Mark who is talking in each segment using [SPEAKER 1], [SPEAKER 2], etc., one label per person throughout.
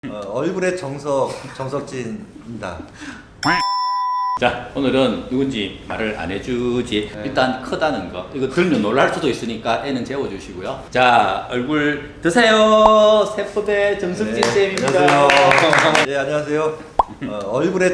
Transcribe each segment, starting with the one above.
[SPEAKER 1] 얼굴의 정석진입니다.
[SPEAKER 2] 자, 오늘은 누군지 말을 안 해주지.
[SPEAKER 1] 네.
[SPEAKER 2] 일단 크다는 거. 이거 들면 놀랄 수도 있으니까 애는 재워주시고요. 자, 얼굴 드세요. 세포대 정석진 쌤입니다.
[SPEAKER 1] 안녕하세요. 네, 안녕하세요. 얼굴의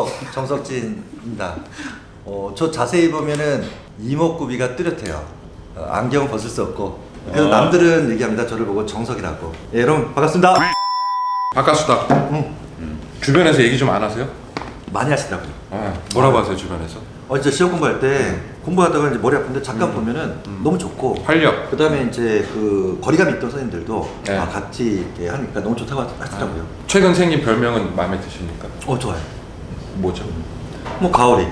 [SPEAKER 1] 정석진입니다. 저 자세히 보면은 이목구비가 뚜렷해요. 안경 벗을 수 없고. 그래서 남들은 얘기합니다. 저를 보고 정석이라고. 예, 여러분 반갑습니다.
[SPEAKER 3] 바카수다. 주변에서 얘기 좀 안 하세요?
[SPEAKER 1] 많이 하시더라고요.
[SPEAKER 3] 뭐라고 하세요 주변에서?
[SPEAKER 1] 이제 시험 공부할 때 공부하다가 이제 머리 아픈데 잠깐 보면은 너무 좋고
[SPEAKER 3] 활력.
[SPEAKER 1] 그다음에 이제 그 거리감 있던 선생님들도
[SPEAKER 3] 네.
[SPEAKER 1] 같이 이렇게 하니까 너무 좋다고 하시더라고요.
[SPEAKER 3] 최근 생긴 별명은 마음에 드십니까?
[SPEAKER 1] 좋아요.
[SPEAKER 3] 뭐죠?
[SPEAKER 1] 뭐 가오리.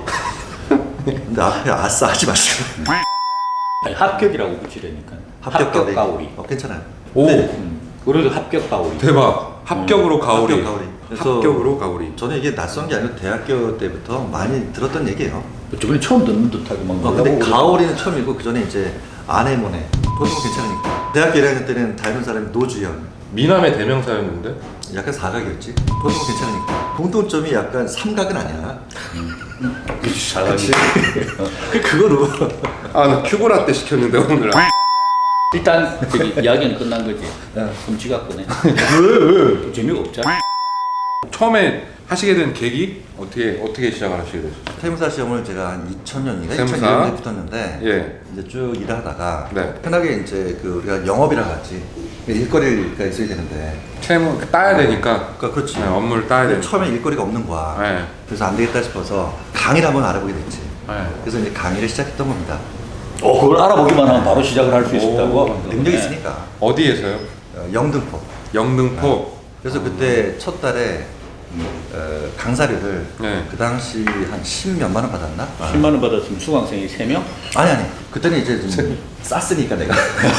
[SPEAKER 1] 근데 앞에 아싸 하지 마시고.
[SPEAKER 2] 아니, 합격이라고 붙이려니까.
[SPEAKER 1] 합격
[SPEAKER 2] 가오리.
[SPEAKER 1] 괜찮아요.
[SPEAKER 3] 오
[SPEAKER 2] 우리도 합격 가오리.
[SPEAKER 3] 대박. 합격으로 가오리.
[SPEAKER 1] 합격 가오리. 그래서
[SPEAKER 3] 합격으로 가오리.
[SPEAKER 1] 저는 이게 낯선 게 아니고 대학교 때부터 많이 들었던 얘기예요.
[SPEAKER 2] 저번에 처음 듣는 듯하게 막.
[SPEAKER 1] 근데
[SPEAKER 2] 놀라고
[SPEAKER 1] 가오리는 처음이고 그 전에 이제 아네모네. 보통 괜찮으니까. 대학교 1학년 때는 닮은 사람이 노주현.
[SPEAKER 3] 미남의 대명사였는데.
[SPEAKER 1] 약간 사각이었지. 보통 괜찮으니까. 공통점이 약간 삼각은 아니야.
[SPEAKER 2] 그치, 잘하지.
[SPEAKER 1] 그거로.
[SPEAKER 3] 나 큐브라떼 시켰는데 오늘.
[SPEAKER 2] 일단 저기 이야기는 끝난 거지.
[SPEAKER 1] 네.
[SPEAKER 2] 그럼 지가 꺼내.
[SPEAKER 3] 왜?
[SPEAKER 2] 재미가 없잖아.
[SPEAKER 3] 처음에 하시게 된 계기 어떻게 시작을 하시게 되셨어요?
[SPEAKER 1] 세무사 시험을 제가 한 2000년인가
[SPEAKER 3] 세무사?
[SPEAKER 1] 2002년에 붙었는데
[SPEAKER 3] 예.
[SPEAKER 1] 이제 쭉 일하다가
[SPEAKER 3] 네.
[SPEAKER 1] 편하게 이제 그 우리가 영업이라고 하지 일거리가 있어야 되는데
[SPEAKER 3] 채무 따야 되니까.
[SPEAKER 1] 그러니까 그렇지.
[SPEAKER 3] 네, 업무를 따야
[SPEAKER 1] 근데
[SPEAKER 3] 되니까.
[SPEAKER 1] 처음에 일거리가 없는 거야.
[SPEAKER 3] 네.
[SPEAKER 1] 그래서 안 되겠다 싶어서 강의를 한번 알아보게 됐지.
[SPEAKER 3] 네.
[SPEAKER 1] 그래서 이제 강의를 시작했던 겁니다.
[SPEAKER 2] 그걸 알아보기만 하면 바로 시작을 할 수 있다고.
[SPEAKER 1] 능력이 있으니까.
[SPEAKER 3] 어디에서요?
[SPEAKER 1] 영등포.
[SPEAKER 3] 영등포.
[SPEAKER 1] 그래서 그때 첫 달에 강사료를
[SPEAKER 3] 네.
[SPEAKER 1] 그 당시 한 10몇만 원 받았나?
[SPEAKER 2] 10만 원 받았으면 수강생이 3명?
[SPEAKER 1] 아니 그때는 이제 좀 쌌으니까 내가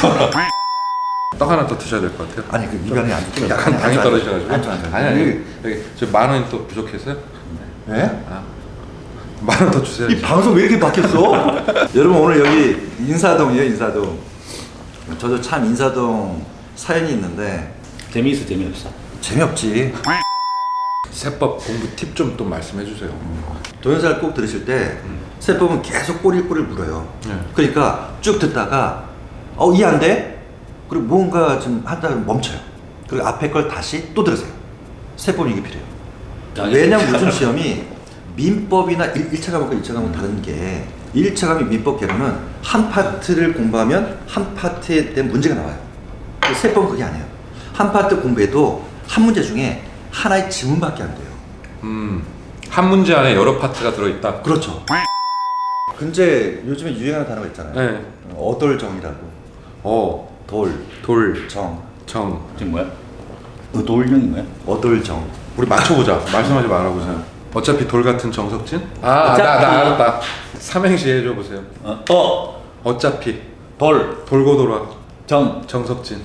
[SPEAKER 3] 떡 하나 더 드셔야 될 것 같아요.
[SPEAKER 1] 아니 그 위반이 안 좋지.
[SPEAKER 3] 약간 당이 떨어지셔가지고.
[SPEAKER 1] 안 좋아.
[SPEAKER 3] 아니. 저 만 원이 또 부족해서요?
[SPEAKER 1] 네?
[SPEAKER 3] 만 원 더 주세요.
[SPEAKER 1] 이 방송 왜 이렇게 바뀌었어? 여러분 오늘 여기 인사동이에요. 인사동. 저도 참 인사동 사연이 있는데
[SPEAKER 2] 재미있어 재미없어?
[SPEAKER 1] 재미없지.
[SPEAKER 3] 세법 공부 팁 좀 또 말씀해 주세요.
[SPEAKER 1] 동영상을 꼭 들으실 때 세법은 계속 꼬리꼬리를 물어요.
[SPEAKER 3] 네.
[SPEAKER 1] 그러니까 쭉 듣다가 이해 안 돼? 그리고 뭔가 좀 하다가 멈춰요. 그리고 앞에 걸 다시 또 들으세요. 세법이 이게 필요해요. 왜냐면 요즘 시험이 민법이나 1차 과목과 2차 과목 다른 게 1차 과목 민법 개론은 한 파트를 공부하면 한 파트에 대한 문제가 나와요. 세법은 그게 아니에요. 한 파트 공부해도 한 문제 중에 하나의 지문밖에 안 돼요.
[SPEAKER 3] 한 문제 안에 여러 파트가 들어있다.
[SPEAKER 1] 그렇죠. 근데 요즘에 유행하는 단어가 있잖아요.
[SPEAKER 3] 네.
[SPEAKER 1] 어돌정이라고. 돌,
[SPEAKER 3] 돌,
[SPEAKER 1] 정,
[SPEAKER 3] 정.
[SPEAKER 2] 지금 뭐야? 돌령인 거야?
[SPEAKER 1] 어돌정.
[SPEAKER 3] 우리 맞춰보자. 말씀하지 말아보세요. 어차피 돌 같은 정석진? 나
[SPEAKER 2] 어차피.
[SPEAKER 3] 알았다. 삼행시 해줘 보세요. 어차피
[SPEAKER 2] 돌,
[SPEAKER 3] 돌고 돌아
[SPEAKER 2] 정.
[SPEAKER 3] 정석진.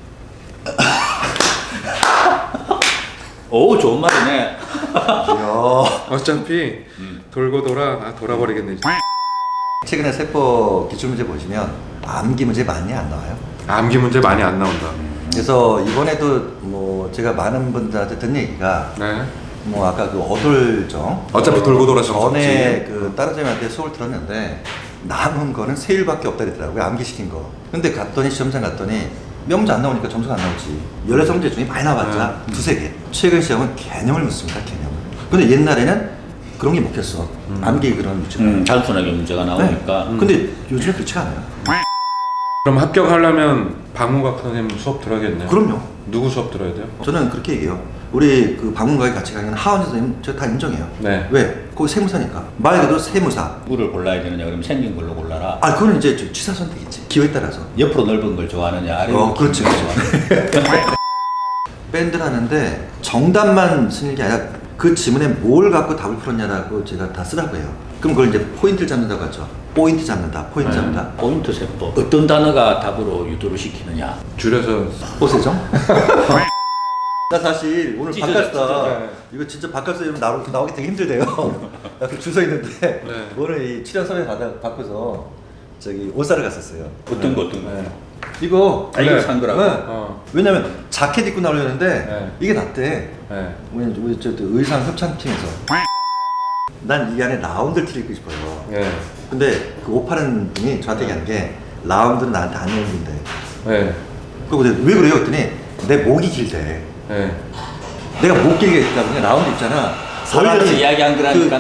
[SPEAKER 2] 오, 좋은 말이네.
[SPEAKER 1] 이야.
[SPEAKER 3] 어차피 돌고 돌아 돌아버리겠네. 이제.
[SPEAKER 1] 최근에 세법 기출문제 보시면 암기 문제 많이 안 나와요.
[SPEAKER 3] 암기 문제 많이 안 나온다.
[SPEAKER 1] 그래서 이번에도 뭐 제가 많은 분들한테 듣는 얘기가
[SPEAKER 3] 네.
[SPEAKER 1] 뭐 아까 그 어돌정
[SPEAKER 3] 어차피 돌고 돌아 정석진.
[SPEAKER 1] 전에 그 다른 선생님한테 수업을 들었는데 남은 거는 세 일밖에 없다 그랬더라고요. 암기시킨 거. 근데 갔더니 시험장 갔더니 몇 문제 안 나오니까 점수가 안 나오지. 16문제 중에 많이 나왔자 두세 개. 최근 시험은 개념을 묻습니다. 개념을. 근데 옛날에는 그런 게 먹혔어. 암기 그런 유치가.
[SPEAKER 2] 단순하게 문제가 나오니까.
[SPEAKER 1] 근데 요즘에 그렇지가 않아요.
[SPEAKER 3] 그럼 합격하려면 박문각 선생님 수업 들어야겠네요.
[SPEAKER 1] 그럼요.
[SPEAKER 3] 누구 수업 들어야 돼요?
[SPEAKER 1] 저는 그렇게 얘기해요. 우리 그 방문가에 같이 가는 하원 선생님 저 다 인정해요.
[SPEAKER 3] 네.
[SPEAKER 1] 왜? 거기 세무사니까. 말 그대로 세무사.
[SPEAKER 2] 누구를 골라야 되느냐 그러면 생긴 걸로 골라라.
[SPEAKER 1] 그거는 이제 저 취사 선택이지. 기호에 따라서.
[SPEAKER 2] 옆으로 넓은 걸 좋아하느냐 아래로
[SPEAKER 1] 그렇지.
[SPEAKER 2] 긴 걸 좋아하느냐.
[SPEAKER 1] 밴드를 하는데 정답만 쓰는 게 아니라 그 지문에 뭘 갖고 답을 풀었냐라고 제가 다 쓰라고 해요. 그럼 그걸 이제 포인트를 잡는다고 하죠. 포인트 잡는다. 포인트 잡는다.
[SPEAKER 2] 포인트 세법. 어떤 단어가 답으로 유도를 시키느냐.
[SPEAKER 3] 줄여서
[SPEAKER 1] 호세정? 나 사실 오늘
[SPEAKER 2] 찢어져,
[SPEAKER 1] 바깥사
[SPEAKER 2] 찢어져.
[SPEAKER 1] 이거 진짜 바깥사 이러면 나오기 되게 힘들대요. 줄 서 있는데
[SPEAKER 3] 네.
[SPEAKER 1] 오늘 이 출연 섭외 받고서 저기 옷 사러 갔었어요.
[SPEAKER 2] 어떤 거 어떤 거.
[SPEAKER 1] 네. 이거
[SPEAKER 2] 아, 이거
[SPEAKER 3] 네.
[SPEAKER 2] 산 거라고?
[SPEAKER 1] 네.
[SPEAKER 3] 어.
[SPEAKER 1] 왜냐면 자켓 입고 나오려는데
[SPEAKER 3] 네.
[SPEAKER 1] 이게 낫대.
[SPEAKER 3] 네.
[SPEAKER 1] 우리 저 의상 협찬팀에서 난 이 안에 라운드 티를 입고 싶어요.
[SPEAKER 3] 네.
[SPEAKER 1] 근데 그 옷 파는 분이 저한테 얘기하는 게 라운드는 나한테 안 어울린대.
[SPEAKER 3] 네.
[SPEAKER 1] 그리고 내가 왜 그래요? 했더니 내 목이 길대.
[SPEAKER 3] 네.
[SPEAKER 1] 내가 목 길게 있다 보니 라운드 있잖아.
[SPEAKER 2] 보이려서 이야기한 거라니까.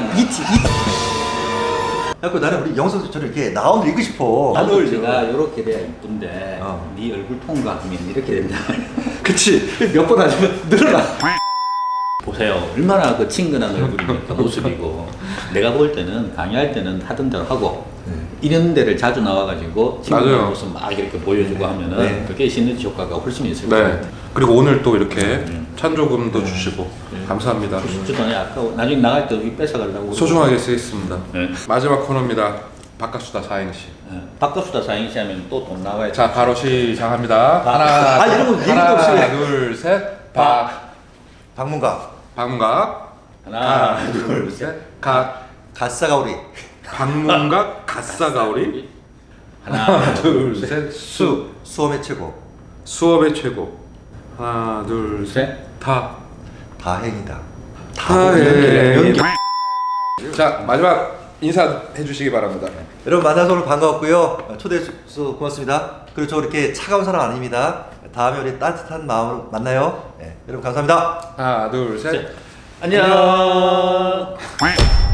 [SPEAKER 1] 그래갖고 나는 우리 영선처럼 이렇게 라운드 입고 싶어.
[SPEAKER 2] 안 어울리가 이렇게 돼야 이쁜데
[SPEAKER 1] 어.
[SPEAKER 2] 네 얼굴 통과하면 이렇게 된다.
[SPEAKER 1] 그치. 몇 번 하시면 늘어나.
[SPEAKER 2] 보세요. 얼마나 그 친근한 얼굴이니까 모습이고 내가 볼 때는 강의할 때는 하던 대로 하고 이런 데를 자주 나와가지고 친근한
[SPEAKER 3] 맞아요.
[SPEAKER 2] 모습 막 이렇게 보여주고 하면은
[SPEAKER 1] 네.
[SPEAKER 2] 그게 시너지 효과가 훨씬 있을 것
[SPEAKER 3] 네.
[SPEAKER 2] 같아요.
[SPEAKER 3] 그리고 오늘 또 이렇게 찬조금도 주시고 감사합니다.
[SPEAKER 2] 주전에 아까워. 나중에 나갈 때 여기 뺏어가려고.
[SPEAKER 3] 소중하게 쓰겠습니다.
[SPEAKER 2] 네.
[SPEAKER 3] 마지막 코너입니다. 바깥수다 사행시.
[SPEAKER 2] 바꿔수다 사행시 하면 또 돈 나와야 돼.
[SPEAKER 3] 자, 바로 시작합니다. 하나,
[SPEAKER 1] 아, 이런 거 얘기도
[SPEAKER 3] 하나,
[SPEAKER 1] 없이.
[SPEAKER 3] 둘, 셋.
[SPEAKER 1] 방문가.
[SPEAKER 3] 방문각.
[SPEAKER 2] 하나,
[SPEAKER 3] 둘, 셋. 각.
[SPEAKER 1] 갓사가오리.
[SPEAKER 3] 방문각 갓사가오리.
[SPEAKER 2] 하나,
[SPEAKER 3] 둘, 셋.
[SPEAKER 1] 수험의 최고.
[SPEAKER 3] 수업의 최고. 하나, 둘, 셋.
[SPEAKER 2] 셋.
[SPEAKER 1] 다행이다.
[SPEAKER 3] 다행. 자, 마지막 인사해 주시기 바랍니다.
[SPEAKER 1] 여러분 만나서 오늘 반가웠고요. 초대해 주셔서 고맙습니다. 그리고 저 이렇게 차가운 사람 아닙니다. 다음에 우리 따뜻한 마음으로 만나요. 네, 여러분 감사합니다.
[SPEAKER 3] 하나, 둘, 셋.
[SPEAKER 2] 안녕.